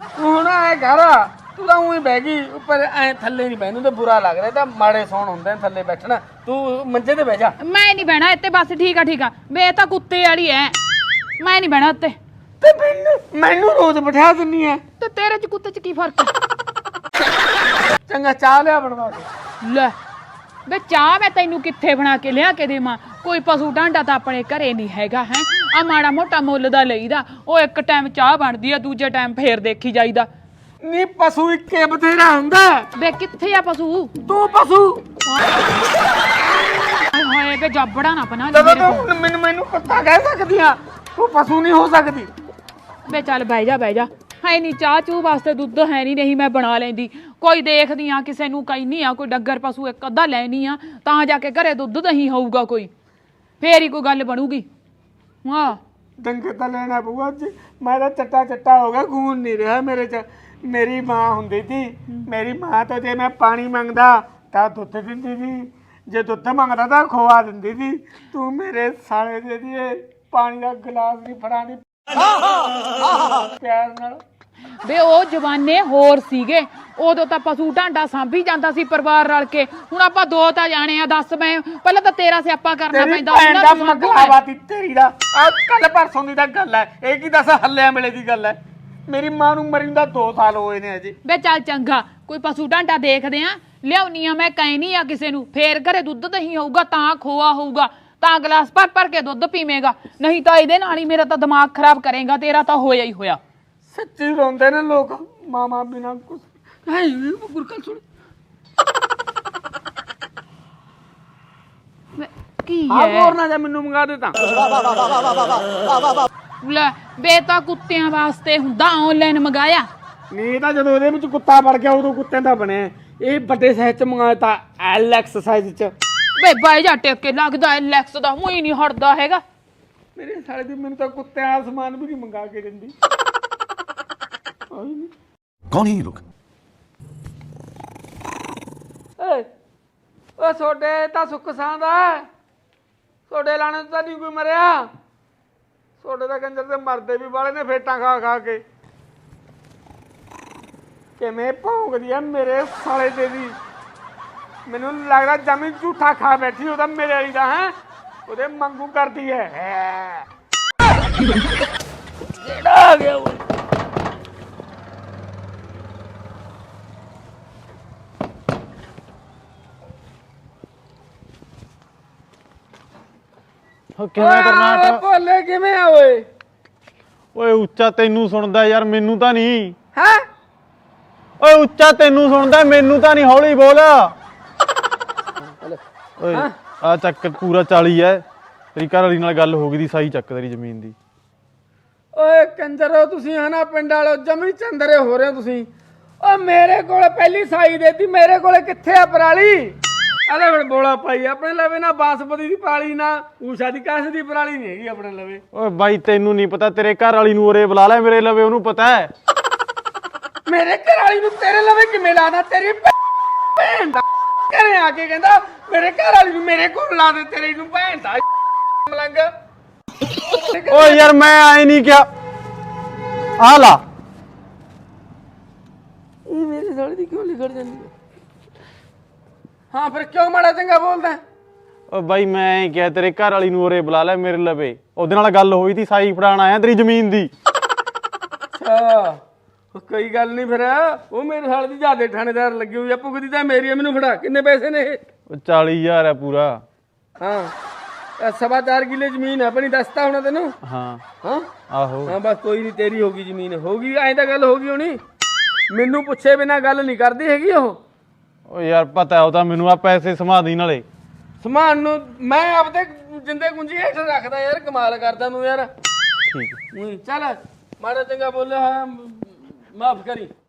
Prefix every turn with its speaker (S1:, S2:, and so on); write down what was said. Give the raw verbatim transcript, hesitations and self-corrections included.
S1: ਹੁਣ ਐ ਘਰ ਤੂੰ ਤਾਂ ਉਹੀ ਬਹਿ ਗਈ ਉੱਪਰ ਐ ਥੱਲੇ ਨਹੀਂ ਬਹਿਨੂੰ ਤੇ ਬੁਰਾ ਲੱਗ ਰਿਹਾ ਤਾਂ ਮਾੜੇ ਸੌਣ ਹੁੰਦੇ ਨੇ ਥੱਲੇ ਬੈਠਣਾ ਤੂੰ ਮੰਜੇ ਤੇ ਬਹਿ ਜਾ
S2: ਮੈਂ ਨਹੀਂ ਬਹਿਣਾ ਇੱਥੇ ਬਸ ਠੀਕ ਆ ਠੀਕ ਆ ਵੇ ਤਾਂ ਕੁੱਤੇ ਵਾਲੀ ਐ ਮੈਂ ਨਹੀਂ ਬਹਿਣਾ ਉੱਤੇ
S1: ਤੇ ਮੈਨੂੰ ਮੈਨੂੰ ਰੋਜ਼ ਬਿਠਾ ਦਿੰਨੀ ਐ
S2: ਤੇ ਤੇਰੇ ਚ ਕੁੱਤੇ ਚ ਕੀ ਫਰਕ ਹੈ
S1: ਚੰਗਾ ਚਾਹ ਲਿਆ ਬਣਵਾ ਕੇ
S2: ਲੈ ਵੇ ਚਾਹ ਮੈਂ ਤੈਨੂੰ ਕਿੱਥੇ ਬਣਾ ਕੇ ਲਿਆ ਕੇ ਦੇਵਾਂ ਕੋਈ ਪਸ਼ੂ ਢਾਂਡਾ ਤਾਂ ਆਪਣੇ ਘਰੇ ਨਹੀਂ ਹੈਗਾ ਹੈ ਆ ਮਾੜਾ ਮੋਟਾ ਮੁੱਲ ਦਾ ਲਈਦਾ ਉਹ ਇੱਕ ਟਾਈਮ ਚਾਹ ਬਣਦੀ ਆ ਦੂਜੇ ਟਾਈਮ ਫੇਰ ਦੇਖੀ ਜਾਈਦਾ
S1: ਨੀ ਪਸ਼ੂ ਇੱਕੇ ਬਥੇਰਾ ਹੁੰਦਾ
S2: ਵੇ ਕਿੱਥੇ ਆ ਪਸ਼ੂ
S1: ਤੂੰ ਪਸ਼ੂ
S2: ਹਾਏ ਵੇ ਜੱਬੜਾ ਨਾ ਬਣਾ
S1: ਜਦੋਂ ਤੂੰ ਮੈਨੂੰ ਮੈਨੂੰ ਕੁੱਤਾ ਕਹਿ ਸਕਦੀ ਆ ਤੂੰ ਪਸ਼ੂ ਨਹੀਂ ਹੋ ਸਕਦੀ
S2: ਵੇ ਚੱਲ ਬਹਿ ਜਾ ਬਹਿ ਜਾ ਹੈ ਨਹੀਂ ਚਾਹ ਚੂ ਵਾਸਤੇ ਦੁੱਧ ਹੈ ਨਹੀਂ ਨਹੀਂ ਮੈਂ ਬਣਾ ਲੈਂਦੀ ਕੋਈ ਦੇਖਦੀ ਆ ਕਿਸੇ ਨੂੰ ਕਹਿੰਦੀ ਆ ਕੋਈ ਡੱਗਰ ਪਸ਼ੂ ਇੱਕ ਅੱਧਾ ਲੈਣੀ ਆ ਤਾਂ ਜਾ ਕੇ ਘਰੇ ਦੁੱਧ ਦਹੀਂ ਹੋਊਗਾ ਕੋਈ ਫੇਰ ਹੀ ਕੋਈ ਗੱਲ ਬਣੂਗੀ ਹਾਂ
S1: ਡੰਗੇ ਤਾਂ ਲੈਣਾ ਪਊਗਾ ਅੱਜ ਮੈਂ ਤਾਂ ਚੱਟਾ ਚੱਟਾ ਹੋ ਗਿਆ ਖੂਨ ਨਹੀਂ ਰਿਹਾ ਮੇਰੇ ਚ ਮੇਰੀ ਮਾਂ ਹੁੰਦੀ ਸੀ ਮੇਰੀ ਮਾਂ ਤੋਂ ਜੇ ਮੈਂ ਪਾਣੀ ਮੰਗਦਾ ਤਾਂ ਦੁੱਧ ਦਿੰਦੀ ਸੀ ਜੇ ਦੁੱਧ ਮੰਗਦਾ ਤਾਂ ਖੋਆ ਦਿੰਦੀ ਸੀ ਤੂੰ ਮੇਰੇ ਸਾਲੇ ਦੇ ਦੀਏ ਪਾਣੀ ਦਾ ਗਲਾਸ ਨਹੀਂ ਫੜਾਣੀ ਪਿਆਰ ਨਾਲ
S2: ਵੇ ਉਹ ਜਵਾਨੇ ਹੋਰ ਸੀਗੇ ਉਦੋਂ ਤਾਂ ਪਸ਼ੂ ਢਾਂਡਾ ਸਾਂਭੀ ਜਾਂਦਾ ਸੀ ਪਰਿਵਾਰ ਰਲ ਕੇ ਹੁਣ ਆਪਾਂ ਦੋ ਤਾਂ ਜਾਣੇ ਆ ਦੱਸ ਮੈਂ ਪਹਿਲਾਂ ਤਾਂ ਤੇਰਾ ਸਿਆਪਾ ਕਰਨਾ ਪੈਂਦਾ
S1: ਉਹਨਾਂ ਦਾ ਮਗਲਾਵਾਤੀ ਤੇਰੀ ਦਾ ਆ ਕੱਲ ਪਰਸੋਂ ਦੀ ਤਾਂ ਗੱਲ ਹੈ ਇਹ ਕੀ ਦੱਸ ਹੱਲਿਆਂ ਵੇਲੇ ਦੀ ਗੱਲ ਹੈ ਮੇਰੀ ਮਾਂ ਨੂੰ ਮਰੀ ਦਾ ਦੋ ਸਾਲ ਹੋਏ ਨੇ ਅਜੇ
S2: ਵੇ ਚੱਲ ਚੰਗਾ ਕੋਈ ਪਸ਼ੂ ਢਾਂਡਾ ਦੇਖਦੇ ਆ ਲਿਆਉਣੀ ਆ ਮੈਂ ਕਹਿਨੀ ਆ ਕਿਸੇ ਨੂੰ ਫੇਰ ਘਰੇ ਦੁੱਧ ਦਹੀਂ ਹੋਊਗਾ ਤਾਂ ਖੋਆ ਹੋਊਗਾ ਤਾਂ ਗਲਾਸ ਭਰ ਭਰ ਕੇ ਦੁੱਧ ਪੀਵੇਂਗਾ ਨਹੀਂ ਤਾਂ ਇਹਦੇ ਨਾਲ ਹੀ ਮੇਰਾ ਤਾਂ ਦਿਮਾਗ ਖਰਾਬ ਕਰੇਗਾ ਤੇਰਾ ਤਾਂ ਹੋਇਆ ਹੀ ਹੋਇਆ
S1: ਸੱਚੀ ਰੋਂਦੇ ਨੇ ਲੋਕ ਮਾਮਾ ਬਿਨਾ ਕੁਛ ਹੈ ਗੁਰਕਲ ਸੁਣ
S2: ਕੀ
S1: ਆ
S2: ਹੈ
S1: ਹੋਰ ਨਾ ਜਾ ਮੈਨੂੰ ਮੰਗਾ ਦੇ ਤਾਂ
S2: ਲੈ ਬੇ ਤਾਂ ਕੁੱਤਿਆਂ ਵਾਸਤੇ ਹੁੰਦਾ ਆਨਲਾਈਨ ਮੰਗਾਇਆ
S1: ਨਹੀਂ ਤਾਂ ਜਦੋਂ ਉਹਦੇ ਵਿੱਚ ਕੁੱਤਾ ਵੜ ਗਿਆ ਉਦੋਂ ਕੁੱਤੇ ਦਾ ਬਣਿਆ ਇਹ ਵੱਡੇ ਸਾਈਜ਼ ਚ ਮੰਗਾਇਆ ਤਾਂ ਐਲ ਐਕਸ ਸਾਈਜ਼ ਚ
S2: ਵੇ ਬਾਈ ਜਾ ਟੇਕ ਕੇ ਲੱਗਦਾ ਐਲੈਕਸ ਦਾ ਮੂੰਹ ਹੀ ਨਹੀਂ ਹਟਦਾ ਹੈਗਾ
S1: ਮੇਰੇ ਸਾਲੇ ਦੀ ਮੈਨੂੰ ਤਾਂ ਕੁੱਤਿਆਂ ਦਾ ਸਮਾਨ ਵੀ ਨਹੀਂ ਮੰਗਾ ਕੇ ਦਿੰਦੀ
S3: कौन है ये लोग
S1: ਓਏ ਓ ਛੋਡੇ ਤਾਂ ਸੁੱਖ ਸਾਂਦਾ ਛੋਡੇ ਲਾਣੇ ਤਾਂ ਨਹੀਂ ਕੋਈ ਮਰਿਆ ਛੋਡੇ ਦਾ ਕੰਜਰ ਤੇ ਮਰਦੇ ਵੀ ਵਾਲੇ ਨੇ ਫੇਟਾਂ ਖਾ ਖਾ ਕੇ ਕਿਵੇਂ ਭੌਂਕਦੀ ਆ ਮੇਰੇ ਸਾਲੇ ਦੇ ਦੀ ਮੈਨੂੰ ਲੱਗਦਾ ਜਮੀ ਝੂਠਾ ਖਾ ਬੈਠੀ ਉਹਦਾ ਮੇਰੇ ਵਾਲੀ ਦਾ ਹੈ ਉਹਦੇ ਮੰਗੂ ਕਰਦੀ ਹੈ ਜਿਹੜਾ ਆ ਗਿਆ ਉਹ
S4: ਕਿਵੇਂ ਕਰਨਾ
S1: ਭੋਲੇ ਕਿਵੇਂ ਆ ਓਏ
S4: ਓਏ ਉੱਚਾ ਤੈਨੂੰ ਸੁਣਦਾ ਯਾਰ ਮੈਨੂੰ ਤਾਂ ਨਹੀਂ
S1: ਹੈ
S4: ਓਏ ਉੱਚਾ ਤੈਨੂੰ ਸੁਣਦਾ ਮੈਨੂੰ ਤਾਂ ਨਹੀਂ ਹੌਲੀ ਬੋਲ ਓਏ ਆ ਚੱਕ ਪੂਰਾ ਚਾਲੀ ਐ ਤੇਰੀ ਘਰ ਵਾਲੀ ਨਾਲ ਗੱਲ ਹੋ ਗਈ ਦੀ ਸਾਈ ਚੱਕ ਤੇਰੀ ਜ਼ਮੀਨ ਦੀ
S1: ਓਏ ਕੰਜਰੋ ਤੁਸੀਂ ਹਨਾ ਪਿੰਡ ਵਾਲੋ ਜਮੀ ਚੰਦਰੇ ਹੋ ਰਹੇ ਹੋ ਤੁਸੀਂ ਓ ਮੇਰੇ ਕੋਲ ਪਹਿਲੀ ਸਾਈ ਦੇਤੀ ਮੇਰੇ ਕੋਲੇ ਕਿੱਥੇ ਆ ਪਰਾਲੀ ਅਲੇ ਹੁਣ ਬੋਲਾ ਪਾਈ ਆਪਣੇ ਲਵੇ ਨਾ ਬਾਸਪਤੀ ਦੀ ਪਰਾਲੀ ਨਾ ਊਸ਼ਾ ਦੀ ਕਾਸ ਦੀ ਪਰਾਲੀ ਨਹੀਂ ਹੈਗੀ ਆਪਣੇ ਲਵੇ
S4: ਓਏ ਬਾਈ ਤੈਨੂੰ ਨਹੀਂ ਪਤਾ ਤੇਰੇ ਘਰ ਵਾਲੀ ਨੂੰ ਉਰੇ ਬੁਲਾ ਲੈ ਮੇਰੇ ਲਵੇ ਉਹਨੂੰ ਪਤਾ ਹੈ
S1: ਮੇਰੇ ਘਰ ਵਾਲੀ ਨੂੰ ਤੇਰੇ ਲਵੇ ਕਿਵੇਂ ਲਾਣਾ ਤੇਰੀ ਭੈਣ ਦਾ ਘਰੇ ਆ ਕੇ ਕਹਿੰਦਾ ਮੇਰੇ ਘਰ ਵਾਲੀ ਨੂੰ ਮੇਰੇ ਕੋਲ ਲਾ ਦੇ ਤੇਰੀ ਨੂੰ ਭੈਣ ਦਾ ਮਲੰਗ
S4: ਓਏ ਯਾਰ ਮੈਂ ਆਏ ਨਹੀਂ ਕਿਹਾ ਆ ਲਾ
S1: ਇਹ ਮੇਰੇ ਸਾਲੇ ਦੀ ਕਿਉਂ ਲਿਖੜ ਜਾਂਦੀ ਹੈ ਹਾਂ ਫਿਰ ਕਿਉਂ ਮਾੜਾ ਚੰਗਾ ਬੋਲਦਾ
S4: ਓ ਬਾਈ ਮੈਂ ਕਿਹਾ ਤੇਰੇ ਘਰ ਵਾਲੀ ਨੂੰ ਉਰੇ ਬੁਲਾ ਲੈ ਮੇਰੇ ਲਵੇ ਉਹਦੇ ਨਾਲ ਗੱਲ ਹੋਈ ਤੀ ਸਾਈ ਫੜਾਣ ਆਇਆ ਤੇਰੀ ਜ਼ਮੀਨ ਦੀ
S1: ਅੱਛਾ ਕੋਈ ਗੱਲ ਨਹੀਂ ਫਿਰ ਉਹ ਮੇਰੇ ਸਾਲੇ ਦੀ ਜਿਆਦੇ ਥਾਣੇਦਾਰ ਲੱਗੀ ਹੋਈ ਆ ਭੁਗਦੀ ਤਾਂ ਮੇਰੀ ਆ ਮੈਨੂੰ ਫੜਾ ਕਿੰਨੇ ਪੈਸੇ ਨੇ ਇਹ
S4: ਉਹ ਚਾਲੀ ਹਜ਼ਾਰ ਹੈ ਪੂਰਾ
S1: ਹਾਂ ਸਵਾ ਚਾਰ ਕਿੱਲੇ ਜ਼ਮੀਨ ਹੈ ਆਪਣੀ ਦੱਸਤਾ ਹੋਣਾ ਤੈਨੂੰ
S4: ਹਾਂ
S1: ਹਾਂ
S4: ਆਹੋ
S1: ਹਾਂ ਬਸ ਕੋਈ ਨਹੀਂ ਤੇਰੀ ਹੋਗੀ ਜ਼ਮੀਨ ਹੋਗੀ ਐਂ ਤਾਂ ਗੱਲ ਹੋਗੀ ਹੋਣੀ ਮੈਨੂੰ ਪੁੱਛੇ ਬਿਨਾ ਗੱਲ ਨਹੀਂ ਕਰਦੀ ਹੈਗੀ ਉਹ
S4: ਓ ਯਾਰ ਪਤਾ ਉਹ ਤਾਂ ਮੈਨੂੰ ਆ ਪੈਸੇ ਸਮਾਧੀ ਨਾਲੇ
S1: ਸਮਾਨ ਨੂੰ ਮੈਂ ਆਪਦੇ ਜਿੰਦੇ ਗੁੰਜੀ ਹੇਠ ਰੱਖਦਾ ਯਾਰ ਕਮਾਲ ਕਰਦਾ ਤੂੰ ਯਾਰ
S4: ਠੀਕ
S1: ਚੱਲ ਮਾੜਾ ਚੰਗਾ ਬੋਲਿਆ ਹੋਇਆ ਮਾਫ ਕਰੀ